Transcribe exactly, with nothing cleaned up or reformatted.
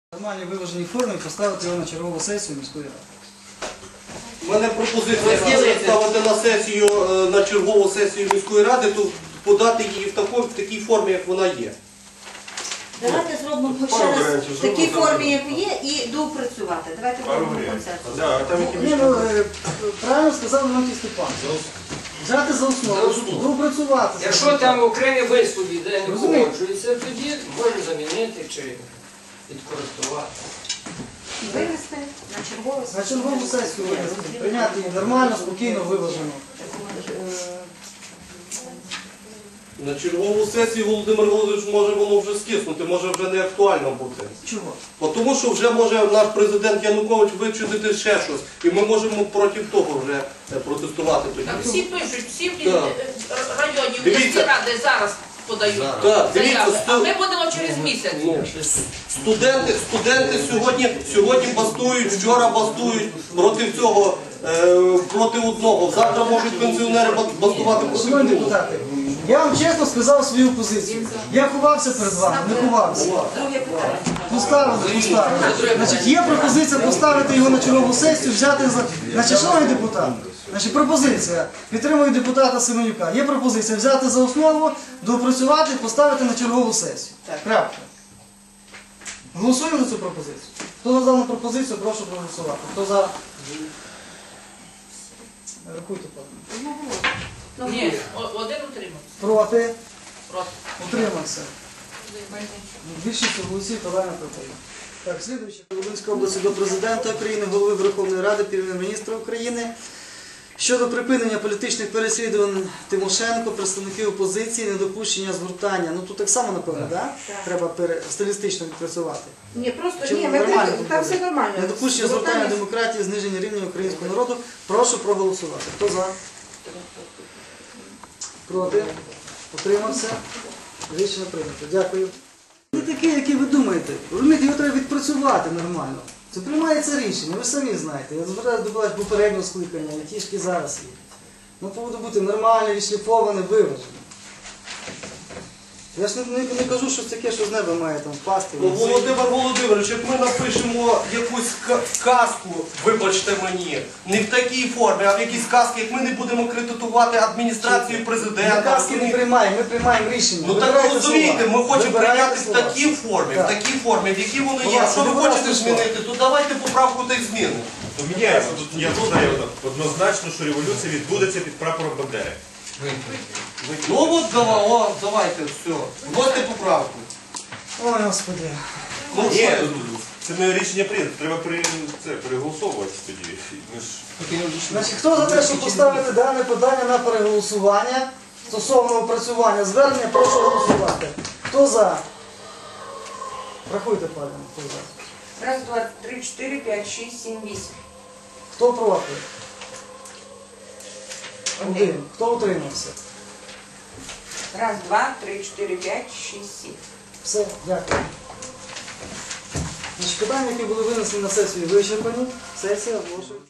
В нормальній виваженій формі поставити його на чергову сесію міської ради. У мене пропозиція ставити на сесію, на чергову сесію міської ради, то подати її в, тако, в такій формі, як вона є. Давайте зробимо ще раз в такій формі, як є, і доопрацювати. Давайте зробимо концепцію. Ні, ну, е, правильно сказав Леонтій Степан. Взяти за основу, доопрацювати. Якщо там окремі вислові, де не погоджується, тоді може замінити чи відкоректувати. Вивести на чергову На чергову сесію винести, прийняти її нормально, спокійно, виважено. На чергову сесію, Володимир Володимирович, може воно вже скиснути, може вже не актуально бути. Чого? Бо тому що вже може наш президент Янукович вичудити ще щось, і ми можемо проти того вже протестувати тоді. Так всі пишуть, всі в Так. районі, в Дивіться. міські ради зараз подають Так, дивіться, заяви, а сто- ми будемо через місяць. Ну, студенти, студенти сьогодні, сьогодні бастують, вчора бастують проти цього, е, проти одного. Завтра можуть пенсіонери бастувати проти Шановні другого. депутати, я вам чесно сказав свою позицію. Я ховався перед вами, не ховався. Друге питання. Поставили, поставили. Значить, є пропозиція поставити його на чергову сесію, взяти за... Значить, шановні депутати, значить, пропозиція, підтримую депутата Семенюка, є пропозиція взяти за основу, доопрацювати, поставити на чергову сесію. Крапка. Голосуємо за цю пропозицію. Хто за дану пропозицію, прошу проголосувати. Хто за... Рахуйте, пане. Ні, о- один утримався. Проти? Проти. Утримався. Більшість голосів товарно проти. Так, слідуючи Волинської області до Президента України, Голови Верховної Ради, Прем'єр-міністра України щодо припинення політичних переслідувань Тимошенко, представників опозиції, недопущення згортання. Ну тут так само, напевно, да? Треба пере... стилістично відпрацювати. Ні, просто Чи ні, ми нормально так- тут там буде? все нормально. Недопущення згортання демократії, зниження рівня українського народу. Прошу проголосувати. Хто за? Проти? Утримався? Рішення прийнято. Дякую. Не такий, який ви думаєте. Розумієте, його треба відпрацювати нормально. Це приймається рішення, ви самі знаєте. Я звертаюся до вас попереднього скликання, і ті ж, які зараз є. Ну, повинно бути нормально, відшліфоване, виважене. Я ж не, не, не кажу щось таке, що з неба має там впасти. Ну, Володимир Володимирович, як ми напишемо якусь ка- казку, вибачте мені, не в такій формі, а в якійсь казці, як ми не будемо критикувати адміністрацію Ми президента. казки не приймаємо, ми приймаємо рішення. Ну так ви Вибирайте розумієте, слова. ми хочемо Вибирайте прийняти в слова. такій формі, в Так. такій формі, в якій воно Будь є. ласка, Якщо ви будь ласка, хочете слово. змінити, то давайте поправку та й зміни. Поміняємо. Тут я знаю однозначно, що революція відбудеться під прапором Бандери. Ну от давай, о, давайте, все. Вводьте поправку. Ой, Господи. Ну, Ні, що? це не рішення прийнято, треба при, це, переголосовувати тоді. Ми ж... Значить, хто за те, щоб поставити дане питання на переголосування стосовно опрацювання звернення, прошу голосувати. Хто за? Рахуйте, пане, хто за. Раз, два, три, чотири, п'ять, шість, сім, вісім. Хто проти? Один. Хто утримався? Раз, два, три, чотири, п'ять, шість, сім. Все, дякую. Значить, питання, які були винесені на сесію, вичерпані. Сесія оголошується.